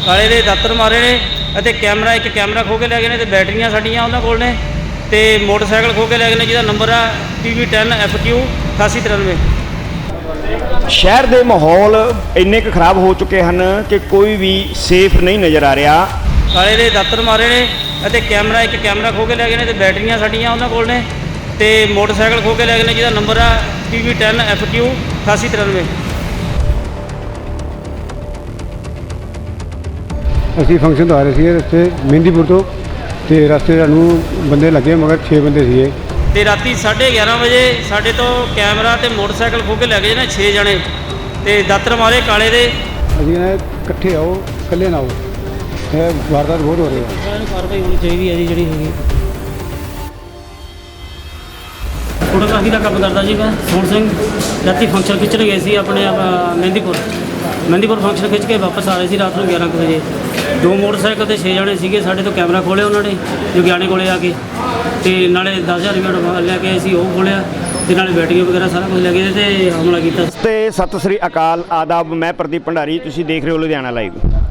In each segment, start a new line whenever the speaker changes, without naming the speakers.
ਕਾਲੇ ਦੇ ਦਾਤਰ ਮਾਰੇ ਨੇ ਅਤੇ ਕੈਮਰਾ ਇੱਕ ਕੈਮਰਾ ਖੋਹ ਕੇ ਲੈ ਗਏ ਨੇ ਤੇ ਬੈਟਰੀਆਂ ਸਾਡੀਆਂ ਉਹਨਾਂ ਕੋਲ ਨੇ ਤੇ ਮੋਟਰਸਾਈਕਲ ਖੋਹ ਕੇ ਲੈ ਗਏ ਨੇ ਜਿਹਦਾ ਨੰਬਰ ਆ PV10 FQ 8893।
ਸ਼ਹਿਰ ਦੇ ਮਾਹੌਲ ਇੰਨੇ ਕੁ ਖਰਾਬ ਹੋ ਚੁੱਕੇ ਹਨ ਕਿ ਕੋਈ ਵੀ ਸੇਫ ਨਹੀਂ ਨਜ਼ਰ ਆ ਰਿਹਾ।
ਕਾਲੇ ਦੇ ਦਾਤਰ ਮਾਰੇ ਨੇ ਅਤੇ ਕੈਮਰਾ ਇੱਕ ਕੈਮਰਾ ਖੋਹ ਕੇ ਲੈ ਗਏ ਨੇ ਤੇ ਬੈਟਰੀਆਂ ਸਾਡੀਆਂ ਉਹਨਾਂ ਕੋਲ ਨੇ ਤੇ ਮੋਟਰਸਾਈਕਲ ਖੋਹ ਕੇ ਲੈ ਗਏ ਨੇ ਜਿਹਦਾ ਨੰਬਰ ਆ PV10 FQ 8893।
ਅਸੀਂ ਫੰਕਸ਼ਨ ਤੋਂ ਆ ਰਹੇ ਸੀ ਰਸਤੇ ਮਹਿੰਦੀਪੁਰ ਤੋਂ ਤੇ ਰਸਤੇ ਸਾਨੂੰ ਬੰਦੇ ਲੱਗੇ ਮਗਰ 6 ਬੰਦੇ ਸੀਗੇ
ਤੇ ਰਾਤੀ 11:30 ਵਜੇ ਸਾਡੇ ਤੋਂ ਕੈਮਰਾ ਤੇ ਮੋਟਰਸਾਈਕਲ ਖੋਹ ਕੇ ਲੈ ਗਏ ਨੇ 6 ਜਣੇ ਤੇ ਦਾਤਰ ਮਾਰੇ ਕਾਲੇ ਦੇ।
ਅਸੀਂ ਕਹਿੰਦੇ ਇਕੱਠੇ ਆਓ ਇਕੱਲੇ ਨਾ ਆਓ, ਇਹ ਵਾਰਦਾਤ ਬਹੁਤ ਹੋ ਰਹੀ ਹੈ।
ਇਹਨੂੰ ਕਾਰਵਾਈ ਹੋਣੀ ਚਾਹੀਦੀ ਹੈ ਜੀ ਜਿਹੜੀ ਹੈਗੀ। ਫੋਟੋਗ੍ਰਾਫੀ ਦਾ ਕੰਮ ਕਰਦਾ ਜੀ ਮੈਂ ਸੋਹਣ ਸਿੰਘ। ਰਾਤੀ ਫੰਕਸ਼ਨ ਖਿੱਚਣ ਗਏ ਸੀ ਆਪਣੇ ਮਹਿੰਦੀਪੁਰ ਫੰਕਸ਼ਨ ਖਿੱਚ ਕੇ ਵਾਪਸ ਆ ਰਹੇ ਸੀ ਰਾਤ ਨੂੰ 11 ਵਜੇ। 2 ਮੋਟਰਸਾਈਕਲ ਤੇ 6 ਜਣੇ ਸੀਗੇ। ਸਾਡੇ ਤੋਂ ਕੈਮਰਾ ਖੋਲ੍ਹਿਆ ਉਹਨਾਂ ਨੇ ਜੁਗਿਆਣੇ ਕੋਲੇ ਆ ਕੇ ਤੇ ਨਾਲੇ 10,000 ਰੁਪਏ ਲੈ ਕੇ ਅਸੀਂ ਉਹ ਖੋਲ੍ਹਿਆ ਤੇ ਨਾਲੇ ਬੈਟਰੀਆਂ ਵਗੈਰਾ ਸਾਰਾ ਕੁਝ ਲੈ ਗਏ ਤੇ ਹਮਲਾ ਕੀਤਾ।
ਤੇ ਸਤਿ ਸ੍ਰੀ ਅਕਾਲ, ਆਦਾਬ। ਮੈਂ ਪ੍ਰਦੀਪ ਭੰਡਾਰੀ, ਤੁਸੀਂ ਦੇਖ ਰਹੇ ਹੋ ਲੁਧਿਆਣਾ ਲਾਈਵ।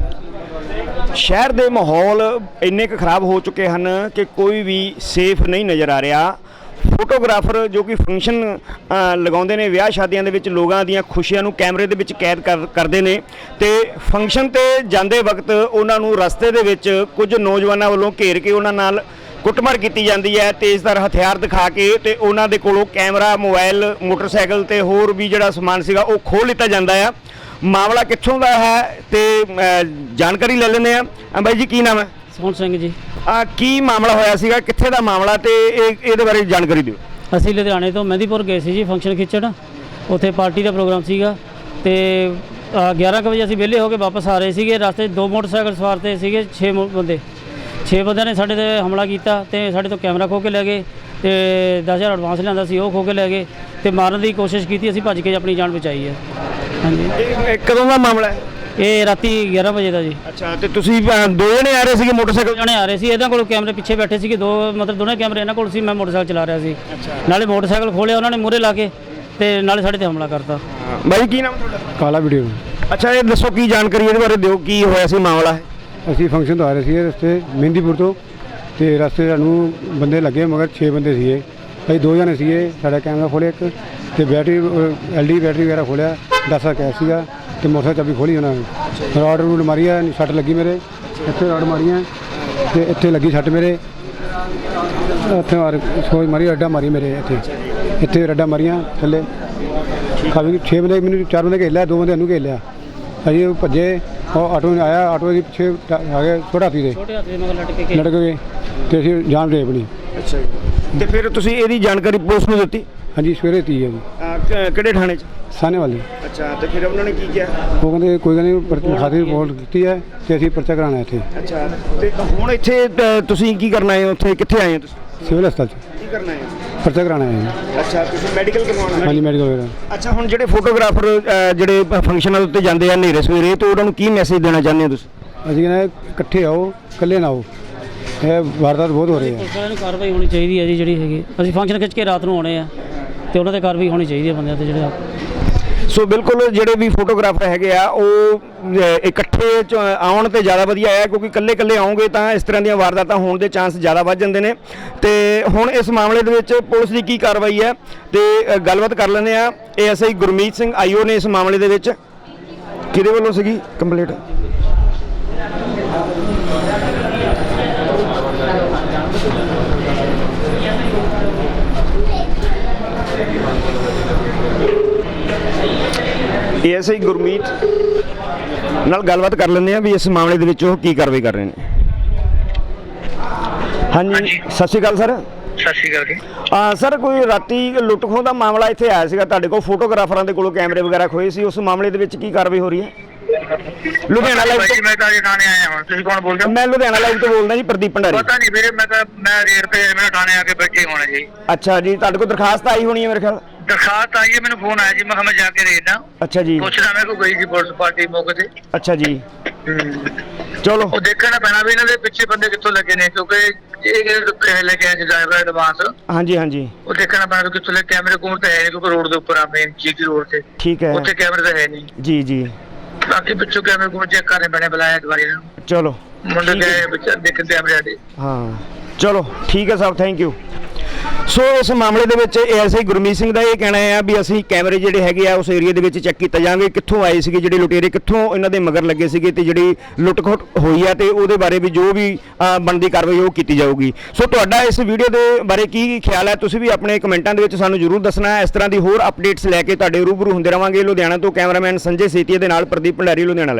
ਸ਼ਹਿਰ ਦੇ ਮਾਹੌਲ ਇੰਨੇ ਕੁ ਖਰਾਬ ਹੋ ਚੁੱਕੇ ਹਨ ਕਿ ਕੋਈ ਵੀ ਸੇਫ ਨਹੀਂ ਨਜ਼ਰ ਆ ਰਿਹਾ। ਫੋਟੋਗ੍ਰਾਫਰ ਜੋ ਕਿ ਫੰਕਸ਼ਨ ਲਗਾਉਂਦੇ ਨੇ ਵਿਆਹ ਸ਼ਾਦੀਆਂ ਦੇ ਵਿੱਚ ਲੋਕਾਂ ਦੀਆਂ ਖੁਸ਼ੀਆਂ ਨੂੰ ਕੈਮਰੇ ਦੇ ਵਿੱਚ ਕੈਦ ਕਰਦੇ ਨੇ ਤੇ ਫੰਕਸ਼ਨ ਤੇ ਜਾਂਦੇ ਵਕਤ ਉਹਨਾਂ ਨੂੰ ਰਸਤੇ ਦੇ ਵਿੱਚ ਕੁਝ ਨੌਜਵਾਨਾਂ ਵੱਲੋਂ ਘੇਰ ਕੇ ਉਹਨਾਂ ਨਾਲ ਕੁੱਟਮਾਰ ਕੀਤੀ ਜਾਂਦੀ ਹੈ। ਤੇਜ਼ਧਾਰ ਹਥਿਆਰ ਦਿਖਾ ਕੇ ਤੇ ਉਹਨਾਂ ਦੇ ਕੋਲੋਂ ਕੈਮਰਾ, ਮੋਬਾਈਲ, ਮੋਟਰਸਾਈਕਲ ਤੇ ਹੋਰ ਵੀ ਜਿਹੜਾ ਸਮਾਨ ਸੀਗਾ ਉਹ ਖੋਹ ਲਿੱਤਾ ਜਾਂਦਾ ਆ। ਮਾਮਲਾ ਕਿੱਥੋਂ ਦਾ ਹੈ ਤੇ ਜਾਣਕਾਰੀ ਲੈ ਲੈਂਦੇ ਆ। ਬਾਈ ਜੀ ਕੀ ਨਾਮ ਹੈ?
ਸੋਹਣ ਸਿੰਘ ਜੀ।
ਕੀ ਮਾਮਲਾ ਹੋਇਆ ਸੀਗਾ, ਕਿੱਥੇ ਦਾ ਮਾਮਲਾ ਤੇ ਇਹਦੇ ਬਾਰੇ ਜਾਣਕਾਰੀ ਦਿਓ।
ਅਸੀਂ ਲੁਧਿਆਣੇ ਤੋਂ ਮਹਿੰਦੀਪੁਰ ਗਏ ਸੀ ਜੀ ਫੰਕਸ਼ਨ ਖਿੱਚਣ। ਉੱਥੇ ਪਾਰਟੀ ਦਾ ਪ੍ਰੋਗਰਾਮ ਸੀਗਾ ਤੇ 11 ਵਜੇ ਅਸੀਂ ਵਿਹਲੇ ਹੋ ਕੇ ਵਾਪਸ ਆ ਰਹੇ ਸੀਗੇ। ਰਸਤੇ 'ਚ 2 ਮੋਟਰਸਾਈਕਲ ਸਵਾਰ ਤੇ ਸੀਗੇ 6 ਬੰਦੇ। 6 ਬੰਦਿਆਂ ਨੇ ਸਾਡੇ ਤੇ ਹਮਲਾ ਕੀਤਾ ਤੇ ਸਾਡੇ ਤੋਂ ਕੈਮਰਾ ਖੋਹ ਕੇ ਲੈ ਗਏ ਤੇ 10,000 ਐਡਵਾਂਸ ਲਿਆਂਦਾ ਸੀ ਉਹ ਖੋਹ ਕੇ ਲੈ ਗਏ ਤੇ ਮਾਰਨ ਦੀ ਕੋਸ਼ਿਸ਼ ਕੀਤੀ। ਅਸੀਂ ਭੱਜ ਕੇ ਆਪਣੀ ਜਾਨ ਬਚਾਈ ਹੈ। ਹਾਂਜੀ।
ਇਹ ਕਦੋਂ ਦਾ ਮਾਮਲਾ ਹੈ?
ਇਹ ਰਾਤੀ 11 ਵਜੇ ਦਾ ਜੀ।
ਅੱਛਾ, ਤੇ ਤੁਸੀਂ 2 ਜਣੇ ਆ ਰਹੇ ਸੀਗੇ ਮੋਟਰਸਾਈਕਲ?
ਜਣੇ ਆ ਰਹੇ ਸੀ। ਇਹਨਾਂ ਕੋਲ ਕੈਮਰੇ ਪਿੱਛੇ ਬੈਠੇ ਸੀਗੇ ਮਤਲਬ ਦੋਨੇ ਕੈਮਰੇ ਇਹਨਾਂ ਕੋਲ ਸੀ। ਮੈਂ ਮੋਟਰਸਾਈਕਲ ਚਲਾ ਰਿਹਾ ਸੀ। ਨਾਲੇ ਮੋਟਰਸਾਈਕਲ ਖੋਲਿਆ ਉਹਨਾਂ ਨੇ ਮੂਹਰੇ ਲਾ ਕੇ ਤੇ ਨਾਲੇ ਸਾਡੇ ਤੇ ਹਮਲਾ ਕਰਤਾ।
ਬਾਈ ਕੀ ਨਾਮ ਤੁਹਾਡਾ? ਕਾਲਾ ਵੀਡੀਓ।
ਅੱਛਾ, ਇਹ ਦੱਸੋ ਕੀ ਜਾਣਕਾਰੀ ਇਹਦੇ ਬਾਰੇ ਦਿਓ, ਕੀ ਹੋਇਆ ਸੀ ਮਾਮਲਾ ਹੈ?
ਅਸੀਂ ਫੰਕਸ਼ਨ ਤੋਂ ਆ ਰਹੇ ਸੀ ਰਸਤੇ ਮਹਿੰਦੀਪੁਰ ਤੋਂ ਤੇ ਰਸਤੇ ਸਾਨੂੰ ਬੰਦੇ ਲੱਗੇ ਮਗਰ 6 ਬੰਦੇ ਸੀਗੇ। ਅਸੀਂ 2 ਜਣੇ ਸੀਗੇ। ਸਾਡਾ ਕੈਮਰਾ ਖੋਲ੍ਹਿਆ ਇੱਕ ਤੇ ਬੈਟਰੀ LED ਬੈਟਰੀ ਵਗੈਰਾ ਖੋਲ੍ਹਿਆ। 10 ਕੈਸ਼ ਸੀਗਾ ਤੇ ਮੋਟਰਸਾਈਕਲ ਚਾਬੀ ਖੋਲ੍ਹੀ ਉਹਨਾਂ ਨੇ। ਰਾਡ ਰੂਡ ਮਾਰੀ ਹੈ, ਸੱਟ ਲੱਗੀ ਮੇਰੇ ਇੱਥੇ, ਰਾਡ ਮਾਰੀਆਂ ਤੇ ਇੱਥੇ ਲੱਗੀ ਸੱਟ ਮੇਰੇ ਇੱਥੇ ਸੋਚ ਮਾਰੀ, ਰੱਡਾ ਮਾਰੀ ਮੇਰੇ ਇੱਥੇ ਰੱਡਾ ਮਾਰੀਆਂ ਥੱਲੇ। ਕਾਫੀ 6 ਬੰਦੇ ਮੈਨੂੰ 4 ਬੰਦੇ ਘੇਰ ਲਿਆ, 2 ਬੰਦੇ ਇਹਨੂੰ ਘੇਰ ਲਿਆ। ਅਸੀਂ ਭੱਜੇ, ਉਹ ਆਟੋ ਆਇਆ, ਆਟੋ ਦੇ ਪਿੱਛੇ ਆ ਗਏ ਛੋਟੇ ਹਾਥੀ ਦੇ ਲਟਕ ਗਏ ਤੇ ਅਸੀਂ ਜਾਨ ਦੇ ਆਪਣੀ।
ਅੱਛਾ ਜੀ। ਤੇ ਫਿਰ ਤੁਸੀਂ ਇਹਦੀ ਜਾਣਕਾਰੀ ਪੁਲਿਸ ਨੂੰ ਦਿੱਤੀ?
ਹਾਂਜੀ, ਸਵੇਰੇ 30 ਹੈ ਜੀ।
ਕਿਹੜੇ ਥਾਣੇ 'ਚ?
ਸਾਹਨੇ ਵਾਲੀ।
ਅੱਛਾ, ਤੇ ਫਿਰ ਉਹਨਾਂ ਨੇ ਕੀ ਕਿਹਾ?
ਉਹ ਕਹਿੰਦੇ ਕੋਈ ਗੱਲ ਨਹੀਂ, ਖਾਤੀ ਰਿਪੋਰਟ ਕੀਤੀ ਹੈ ਤੇ ਅਸੀਂ ਪਰਚਾ ਕਰਾਉਣਾ ਇੱਥੇ।
ਅੱਛਾ, ਤੇ ਹੁਣ ਇੱਥੇ ਤੁਸੀਂ ਕੀ ਕਰਨਾ ਹੈ? ਉੱਥੇ ਕਿੱਥੇ ਆਏ ਹੋ ਤੁਸੀਂ?
ਸਿਵਲ ਹਸਪਤਾਲ 'ਚ
ਕੀ ਕਰਨਾ ਹੈ?
ਪਰਚਾ ਕਰਾਉਣਾ ਹੈ।
ਅੱਛਾ, ਤੁਸੀਂ ਮੈਡੀਕਲ ਕਰਵਾਉਣਾ?
ਹਾਂਜੀ, ਮੈਡੀਕਲ ਵਗੈਰਾ।
ਅੱਛਾ, ਹੁਣ ਜਿਹੜੇ ਫੋਟੋਗ੍ਰਾਫਰ ਜਿਹੜੇ ਫੰਕਸ਼ਨਾਂ ਦੇ ਉੱਤੇ ਜਾਂਦੇ ਆ ਹਨੇਰੇ ਸਵੇਰੇ, ਤੇ ਉਹਨਾਂ ਨੂੰ ਕੀ ਮੈਸੇਜ ਦੇਣਾ ਚਾਹੁੰਦੇ ਹੋ ਤੁਸੀਂ?
ਅਸੀਂ ਕਹਿੰਦੇ ਇਕੱਠੇ ਆਓ ਇਕੱਲੇ ਨਾ ਆਓ, ਇਹ ਵਾਰਦਾਤ ਬਹੁਤ ਹੋ ਰਹੀ ਹੈ।
ਇਹਨੂੰ ਕਾਰਵਾਈ ਹੋਣੀ ਚਾਹੀਦੀ ਹੈ ਜੀ ਜਿਹੜੀ ਹੈਗੀ। ਅਸੀਂ ਫੰਕਸ਼ਨ ਖਿੱਚ ਕੇ ਰਾਤ ਨੂੰ ਆਉਣੇ ਆ ਤੇ ਉਹਨਾਂ ਤੇ ਕਾਰਵਾਈ ਹੋਣੀ ਚਾਹੀਦੀ ਹੈ ਬੰਦਿਆਂ ਤੇ ਜਿਹੜੇ।
ਸੋ ਬਿਲਕੁਲ ਜਿਹੜੇ ਵੀ ਫੋਟੋਗ੍ਰਾਫਰ ਹੈਗੇ ਆ ਉਹ ਇਕੱਠੇ ਆਉਣ ਤੇ ਜ਼ਿਆਦਾ ਵਧੀਆ ਹੈ, ਕਿਉਂਕਿ ਇਕੱਲੇ ਆਉਂਗੇ ਤਾਂ ਇਸ ਤਰ੍ਹਾਂ ਦੀਆਂ ਵਾਰਦਾਤਾਂ ਹੋਣ ਦੇ ਚਾਂਸ ਜ਼ਿਆਦਾ ਵੱਧ ਜਾਂਦੇ ਨੇ। ਤੇ ਹੁਣ ਇਸ ਮਾਮਲੇ ਦੇ ਵਿੱਚ ਪੁਲਿਸ ਦੀ ਕੀ ਕਾਰਵਾਈ ਹੈ ਤੇ ਗੱਲਬਾਤ ਕਰ ਲੈਂਦੇ ਆ। ASI ਗੁਰਮੀਤ ਸਿੰਘ IO ਨੇ ਇਸ ਮਾਮਲੇ ਦੇ ਵਿੱਚ ਕਿਹਦੇ ਵੱਲੋਂ ਸੀਗੀ ਕੰਪਲੀਟ? ASI ਗੁਰਮੀਤ ਨਾਲ ਗੱਲਬਾਤ ਕਰ ਲੈਂਦੇ ਆ ਵੀ ਇਸ ਮਾਮਲੇ ਦੇ ਵਿੱਚ ਉਹ ਕੀ ਕਾਰਵਾਈ ਕਰ ਰਹੇ ਨੇ। ਹਾਂਜੀ, ਸਤਿ ਸ਼੍ਰੀ ਅਕਾਲ ਸਰ।
ਸਤਿ ਸ਼੍ਰੀ ਅਕਾਲ ਜੀ।
ਸਰ, ਕੋਈ ਰਾਤੀ ਲੁੱਟ ਖੋਹ ਦਾ ਮਾਮਲਾ ਇੱਥੇ ਆਇਆ ਸੀਗਾ ਤੁਹਾਡੇ ਕੋਲ, ਫੋਟੋਗ੍ਰਾਫਰਾਂ ਦੇ ਕੋਲੋਂ ਕੈਮਰੇ ਵਗੈਰਾ ਖੋਏ ਸੀ, ਉਸ ਮਾਮਲੇ ਦੇ ਵਿੱਚ ਕੀ ਕਾਰਵਾਈ ਹੋ ਰਹੀ ਹੈ? ਲੁਧਿਆਣਾ ਲਾਈਵ ਤੋਂ
ਮੈਂ ਤਾਂ ਥਾਣੇ ਆਇਆ ਹਾਂ। ਤੁਸੀਂ ਕੌਣ ਬੋਲਦੇ ਹੋ?
ਮੈਂ ਲੁਧਿਆਣਾ ਲਾਈਵ ਤੋਂ ਬੋਲਦਾ ਜੀ, ਪ੍ਰਦੀਪ ਭੰਡਾਰੀ।
ਪਤਾ ਨਹੀਂ ਵੀਰੇ, ਮੈਂ ਰੇਡ ਤੇ ਮੇਰੇ ਥਾਣੇ ਆ ਕੇ ਬੈਠੇ ਹੋਣੇ ਜੀ।
ਅੱਛਾ ਜੀ, ਤੁਹਾਡੇ ਕੋਲ ਦਰਖਾਸਤ ਆਈ ਹੋਣੀ ਹੈ ਮੇਰੇ ਖਿਆਲ?
ਦਰਖਾਸਤ ਆਈ ਹੈ, ਮੈਨੂੰ ਫੋਨ ਆਇਆ ਜੀ। ਮੈਂ ਕਿਹਾ ਮੈਂ ਜਾ ਕੇ ਦੇਖਦਾ।
ਅੱਛਾ ਜੀ।
ਪੁੱਛਦਾ ਮੈਂ ਕੋਈ ਗਈ ਸੀ ਪੁਲਿਸ ਪਾਰਟੀ ਮੌਕੇ ਤੇ।
ਅੱਛਾ ਜੀ, ਚਲੋ
ਉਹ ਦੇਖਣਾ ਪੈਣਾ ਵੀ ਇਹਨਾਂ ਦੇ ਪਿੱਛੇ ਬੰਦੇ ਕਿੱਥੋਂ ਲੱਗੇ ਨੇ, ਕਿਉਂਕਿ ਇਹ ਜਿਹੜੇ ਪੈਸੇ ਲੈ ਕੇ ਆਏ ਡਰਾਈਵਰ ਐਡਵਾਂਸ।
ਹਾਂਜੀ ਹਾਂਜੀ,
ਉਹ ਦੇਖਣਾ ਪੈਣਾ ਕਿੱਥੋਂ ਲੈ। ਕੈਮਰੇ ਕੋਲ ਤਾਂ ਹੈ ਨਹੀਂ, ਕਿਉਂਕਿ ਰੋਡ ਦੇ ਉੱਪਰ ਆ, ਮੇਨ GT ਰੋਡ ਤੇ।
ਠੀਕ ਹੈ।
ਉੱਥੇ ਕੈਮਰੇ ਤਾਂ ਹੈ ਨਹੀਂ
ਜੀ ਜੀ।
ਬਾਕੀ ਪਿੱਛੋਂ ਕੈਮਰੇ ਕੋਲ ਚੈੱਕ ਕਰਨੇ ਪੈਣੇ, ਬੁਲਾਇਆ ਦੁਬਾਰੇ ਇਹਨਾਂ ਨੂੰ।
ਚਲੋ
ਮੁੰਡੇ
ਠੀਕ ਹੈ।
ਗਏ ਬੱਚਾ ਦੇਖ ਕੈਮਰੇ ਸਾਡੇ।
ਹਾਂ ਚਲੋ ਠੀਕ ਹੈ ਸਾਹਿਬ, ਥੈਂਕ ਯੂ। ਸੋ ਇਸ ਮਾਮਲੇ ਦੇ ਵਿੱਚ ਐਸਆਈ ਗੁਰਮੀਤ ਸਿੰਘ ਦਾ ਇਹ ਕਹਿਣਾ ਹੈ ਵੀ ਅਸੀਂ ਕੈਮਰੇ ਜਿਹੜੇ ਹੈਗੇ ਆ ਉਸ ਏਰੀਆ ਦੇ ਵਿੱਚ ਚੈੱਕ ਕੀਤਾ ਜਾਣਗੇ, ਕਿੱਥੋਂ ਆਏ ਸੀਗੇ ਜਿਹੜੇ ਲੁਟੇਰੇ, ਕਿੱਥੋਂ ਇਹਨਾਂ ਦੇ ਮਗਰ ਲੱਗੇ ਸੀਗੇ ਤੇ ਜਿਹੜੀ ਲੁੱਟ-ਖੋਟ ਹੋਈ ਆ ਤੇ ਉਹਦੇ ਬਾਰੇ ਵੀ ਜੋ ਵੀ ਬਣਦੀ ਕਾਰਵਾਈ ਉਹ ਕੀਤੀ ਜਾਊਗੀ। ਸੋ ਤੁਹਾਡਾ ਇਸ ਵੀਡੀਓ ਦੇ ਬਾਰੇ ਕੀ ਖਿਆਲ ਹੈ, ਤੁਸੀਂ ਵੀ ਆਪਣੇ ਕਮੈਂਟਾਂ ਦੇ ਵਿੱਚ ਸਾਨੂੰ ਜ਼ਰੂਰ ਦੱਸਣਾ ਹੈ। ਇਸ ਤਰ੍ਹਾਂ ਦੀ ਹੋਰ ਅਪਡੇਟਸ ਲੈ ਕੇ ਤੁਹਾਡੇ ਰੂਬਰੂ ਹੁੰਦੇ ਰਵਾਂਗੇ। ਲੁਧਿਆਣਾ ਤੋਂ ਕੈਮਰਾਮੈਨ ਸੰਜੇ ਸੇਤੀਆ ਦੇ ਨਾਲ ਪ੍ਰਦੀਪ ਭੰਡਾਰੀ, ਲੁਧਿਆਣਾ।